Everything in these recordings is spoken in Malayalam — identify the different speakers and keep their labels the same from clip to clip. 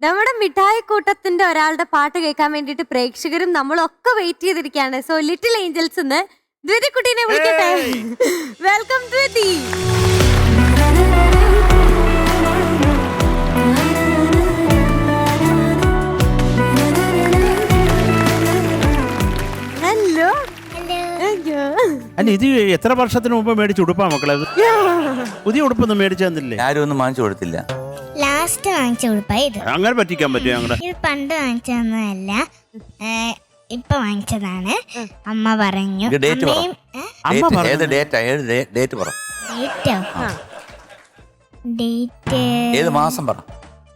Speaker 1: നമ്മുടെ മിഠായി കൂട്ടത്തിന്റെ ഒരാളുടെ പാട്ട് കേൾക്കാൻ വേണ്ടിട്ട് പ്രേക്ഷകരും നമ്മളൊക്കെ വെയിറ്റ് ചെയ്തിരിക്കുകയാണ്. സോ ലിറ്റിൽ ഏഞ്ചൽസ് ദ്വിതികുട്ടീനെ വിളിക്കട്ടെ. വെൽക്കം ദ്വിതി. ഹലോ.
Speaker 2: അല്ല ഇത് എത്ര വർഷത്തിന് മുമ്പ് മേടിച്ച ഉടുപ്പാ മക്കളെ? പുതിയ ഉടുപ്പൊന്നും മേടിച്ചു തന്നില്ലേ?
Speaker 3: ആരും ഒന്നും വാങ്ങിച്ചു കൊടുത്തില്ല.
Speaker 4: ലാസ്റ്റ് വാങ്ങിച്ച ഉടുപ്പായി ഇത്.
Speaker 2: അങ്ങനെ പറ്റിക്കാൻ പറ്റുമോ ഞങ്ങളെ?
Speaker 4: ഇത് പണ്ട് വാങ്ങിച്ചതൊന്നുമല്ല, ഇപ്പൊ വാങ്ങിച്ചതാണ്. അമ്മ പറഞ്ഞു.
Speaker 3: ഡേറ്റ് പറ. ഏത് ഡേറ്റാ? ഡേറ്റ് പറ.
Speaker 4: ഡേറ്റ്
Speaker 3: ഏത് മാസം പറ.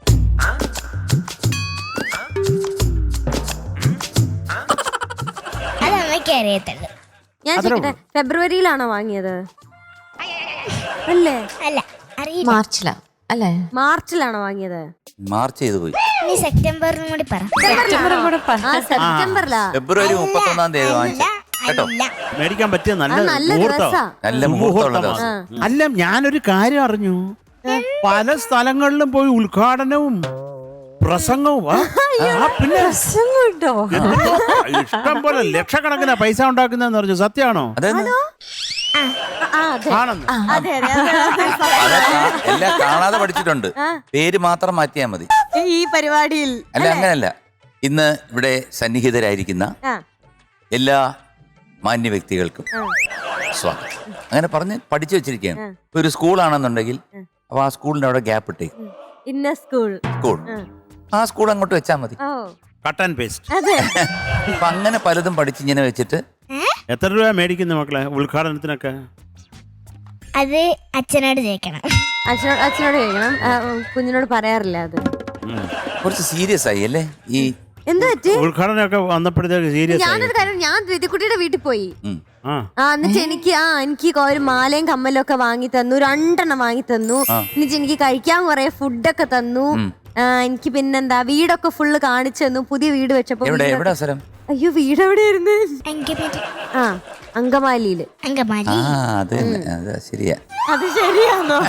Speaker 4: അത് അമ്മയ്ക്ക് അറിയത്തുള്ളൂ.
Speaker 1: ഞാൻ ചോദിക്കട്ടെ, ഫെബ്രുവരിയിലാണോ വാങ്ങിയത്? അല്ലേ?
Speaker 4: അല്ല, അറിയില്ല.
Speaker 5: മാർച്ചിലാ അല്ലേ?
Speaker 1: മാർച്ചിലാണോ വാങ്ങിയത്?
Speaker 3: മാർച്ച് ചെയ്ത് പോയി.
Speaker 4: ഇനി സെപ്റ്റംബറിനും കൂടി പറ.
Speaker 1: സെപ്റ്റംബറിലാ.
Speaker 3: ഫെബ്രുവരി 31-ാം തീയതി വാങ്ങിച്ച കേട്ടോ.
Speaker 2: മേടിക്കാൻ പറ്റിയ
Speaker 1: നല്ല
Speaker 2: നല്ല
Speaker 1: ദിവസാ.
Speaker 3: നല്ല മുഹൂർത്തമുള്ള ദിവസം.
Speaker 2: അല്ല ഞാനൊരു കാര്യം അറിഞ്ഞു, പല സ്ഥലങ്ങളിലും പോയി ഉദ്ഘാടനവും പ്രസംഗവും പിന്നെ ഇഷ്ടം പോലെ ലക്ഷക്കണക്കിന് പൈസ ഉണ്ടാക്കുന്നതെന്ന് പറഞ്ഞു. സത്യമാണോ?
Speaker 3: എല്ലാം കാണാതെ പഠിച്ചിട്ടുണ്ട്. പേര് മാത്രം മാറ്റിയാ മതി
Speaker 1: ഈ പരിപാടിയിൽ.
Speaker 3: അല്ല, അങ്ങനല്ല. ഇന്ന് ഇവിടെ സന്നിഹിതരായിരിക്കുന്ന എല്ലാ മാന്യ വ്യക്തികൾക്കും സ്വാഗതം. അങ്ങനെ പറഞ്ഞ് പഠിച്ചു വെച്ചിരിക്കുകയാണ്. ഒരു സ്കൂളാണെന്നുണ്ടെങ്കിൽ അപ്പൊ ആ സ്കൂളിന്റെ അവിടെ ഗ്യാപ്പ് ഇട്ടേ
Speaker 1: ഇന്ന സ്കൂൾ
Speaker 3: ആ സ്കൂൾ അങ്ങോട്ട് വെച്ചാ മതി.
Speaker 2: Cut and paste.
Speaker 3: അപ്പൊ അങ്ങനെ പലതും പഠിച്ചിങ്ങനെ വെച്ചിട്ട്
Speaker 2: എത്ര രൂപ മേടിക്കുന്നു മക്കളെ ഉദ്ഘാടനത്തിനൊക്കെ?
Speaker 4: അത് അച്ഛനോട് ചോദിക്കണം.
Speaker 1: അച്ഛനോട് ചോദിക്കണം. കുഞ്ഞിനോട് പറയാറില്ല അത്.
Speaker 3: കുറച്ച് സീരിയസ് ആയി അല്ലേ ഈ
Speaker 1: എന്ത് പറ്റി?
Speaker 2: ഉദ്ഘാടനമൊക്കെ വന്നപ്പോഴത്തേക്ക് സീരിയസ്.
Speaker 1: ഞാനൊരു കാര്യം, ഞാൻ ദ്വിതികുട്ടിയുടെ വീട്ടിൽ പോയി. എന്നിട്ട് എനിക്ക് എനിക്ക് ഒരു മാലയും കമ്മലും ഒക്കെ വാങ്ങി തന്നു, 2 എണ്ണം വാങ്ങി തന്നു. എന്നിട്ട് എനിക്ക് കഴിക്കാൻ കുറെ ഫുഡൊക്കെ തന്നു. എനിക്ക് പിന്നെന്താ വീടൊക്കെ ഫുള്ള് കാണിച്ചു തന്നു. പുതിയ വീട് വെച്ചപ്പോ. അയ്യോ, വീട് എവിടെയായിരുന്നു? അങ്കമാലിയില്.
Speaker 3: ശരിയാ.
Speaker 1: അത് ശരിയാണോ?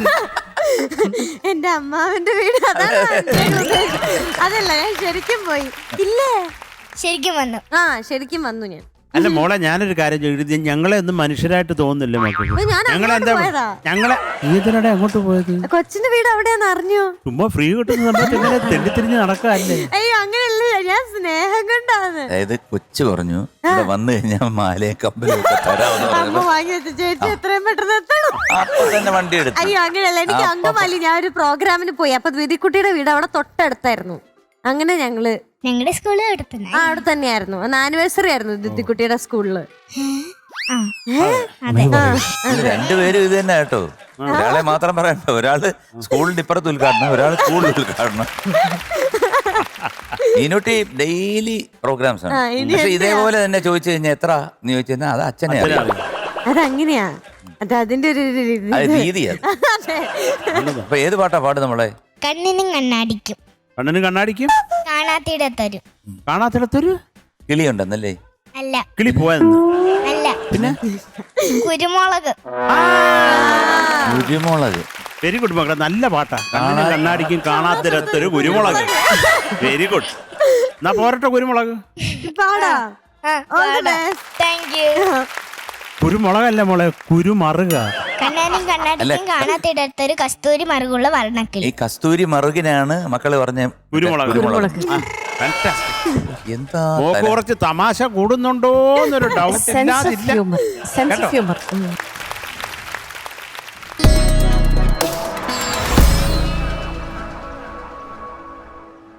Speaker 1: എന്റെ അമ്മാവന്റെ വീട് അതാണ്. അതല്ല, ഞാൻ ശരിക്കും പോയി. ഇല്ലേ?
Speaker 4: ശരിക്കും വന്നു.
Speaker 1: ശരിക്കും വന്നു ഞാൻ.
Speaker 2: അല്ല മോളെ, ഞാനൊരു കാര്യം ചോദിച്ചു, ഞങ്ങളെ ഒന്നും മനുഷ്യരായിട്ട് തോന്നുന്നില്ല മക്കൾക്ക്. ഞങ്ങളെ ഈതനടെ അങ്ങോട്ട് പോയത്?
Speaker 1: കൊച്ചിന്റെ വീട് അവിടെയാന്ന് അറിഞ്ഞു.
Speaker 2: ചുമ്മാ ഫ്രീ കിട്ടുന്ന സമയത്ത് ഇങ്ങനെ തെണ്ടിത്തിരിഞ്ഞ് നടക്കാല്ലേ?
Speaker 1: അയ്യോ, അങ്ങനെയല്ല, ഞാൻ സ്നേഹം കൊണ്ടാണ്.
Speaker 3: അതായത് കൊച്ചു പറഞ്ഞു ഇവിടെ വന്നു കഴിഞ്ഞാൽ മാലയെ കമ്പലൊക്കെ
Speaker 1: അമ്മ വാങ്ങി വെച്ച ചേച്ചി എത്രയും പെട്ടെന്ന് എത്തണം.
Speaker 3: വണ്ടി എടുത്തു.
Speaker 1: അയ്യോ, അങ്ങനെയല്ല, എനിക്ക് അങ്കമാലി ഞാൻ ഒരു പ്രോഗ്രാമിന് പോയി. അപ്പൊ ദ്വിതികുട്ടിയുടെ വീട് അവിടെ തൊട്ടടുത്തായിരുന്നു. അങ്ങനെ
Speaker 4: ഞങ്ങളുടെ സ്കൂളിൽ
Speaker 1: അവിടെ തന്നെയായിരുന്നു. അന്ന് ആനിവേഴ്സറി ആയിരുന്നു ദ്വിതികുട്ടിയുടെ സ്കൂളില്.
Speaker 3: രണ്ടുപേരും ഇത് തന്നെ കേട്ടോ. ഒരാളെ മാത്രം പറയണ്ട. ഒരാള് സ്കൂളിന്റെ ഇപ്പുറത്ത് ഉദ്ഘാടനം, ഒരാള് സ്കൂളിൽ ഉദ്ഘാടനം. ഈനൂട്ടി ഡെയിലി പ്രോഗ്രാംസ് ആണ്. പക്ഷെ ഇതേപോലെ തന്നെ ചോദിച്ചു കഴിഞ്ഞാൽ എത്ര എന്ന് ചോദിച്ചു കഴിഞ്ഞാൽ അത് അച്ഛനെ അറിയാം.
Speaker 1: അതങ്ങനെയാ, അത് അതിന്റെ ഒരു
Speaker 3: രീതിയാണ്. അപ്പൊ ഏത് പാട്ടാ പാട് നമ്മളെ?
Speaker 4: കണ്ണിനും കണ്ണാടിക്കും.
Speaker 2: കണ്ണിനും കണ്ണാടിക്കും.
Speaker 4: കാണാത്തിടത്തൊരു.
Speaker 2: കാണാത്തിടത്തൊരു
Speaker 3: കിളിയുണ്ടെന്നല്ലേ?
Speaker 4: അല്ല.
Speaker 2: കിളി പോയെന്ന്?
Speaker 4: അല്ല.
Speaker 2: പിന്നെ
Speaker 4: കുരുമുളക്.
Speaker 3: കുരുമുളക്.
Speaker 2: വെരി ഗുഡ് മക്കളെ, നല്ല പാട്ടാ. കണ്ണിനും കണ്ണാടിക്കും കാണാത്തിടത്തൊരു കുരുമുളക്. Very good. എന്നാ പോരട്ടെ കുരുമുളക്.
Speaker 1: പാടാ.
Speaker 4: Thank you.
Speaker 2: കുരുമുളകല്ല മോളെ, കുരുമറുക.
Speaker 4: കണ്ണാനും കണ്ണാടിക്കും കാണാത്തിടത്തൊരു കസ്തൂരി മറുകുള്ള വർണ്ണക്കിളി.
Speaker 3: ഈ കസ്തൂരി മറുകിനാണ് മക്കള് പറഞ്ഞ
Speaker 2: കുരുമുളക്.
Speaker 3: എന്താ
Speaker 2: കുറച്ച് തമാശ കൂടുന്നുണ്ടോന്നൊരു ഡൗട്ട് ഇല്ലാതില്ല.